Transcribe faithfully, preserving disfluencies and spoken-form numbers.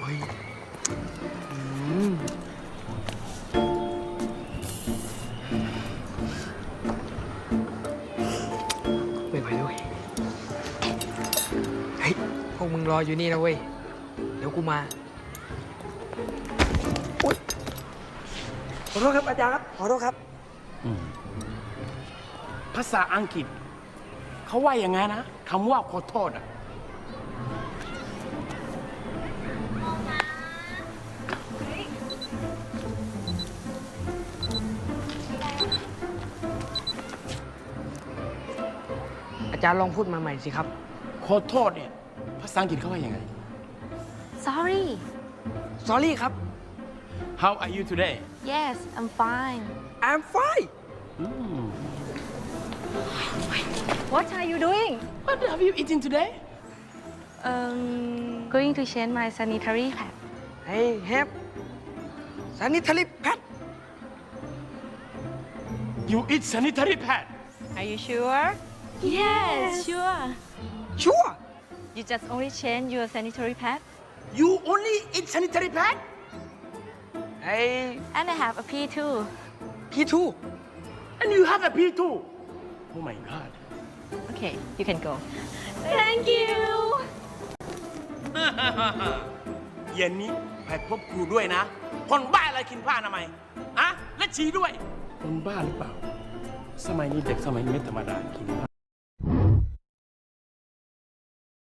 ยอืมไม่ไหวแล้วเว้ยเฮ้ยพวกมึงรออยู่นี่นะเว้ย เดี๋ยวกูมาอุ๊ยขอโทษครับอาจารย์ครับ ขอโทษครับภาษาอังกฤษเขาว่าอย่างไงนะคำว่าขอโทษอ่ะอาจารย์ลองพูดมาใหม่สิครับขอโทษเนี่ยภาษาอังกฤษเขาว่ายังไง Sorry. sorry ครับ How are you today Yes, I'm fine. I'm fine What are you doing? What have you eaten today Um, going to change my sanitary pad. I have sanitary pad You eat sanitary pad Are you sure? Yes, sure. sure You just only change your sanitary pad, You only eat sanitary pad I and I have a pee too. P two and you have a pee too Oh my god Okay, you can go. Thank you. เย็นนี้ไปพบครูด้วยนะ คนบ้าอะไรกินผ้าทำไมยอะและฉี่ด้วย คนบ้าหรือเปล่า สมัยนี้เด็กสมัยนี้ไม่ธรรมดากินผ้า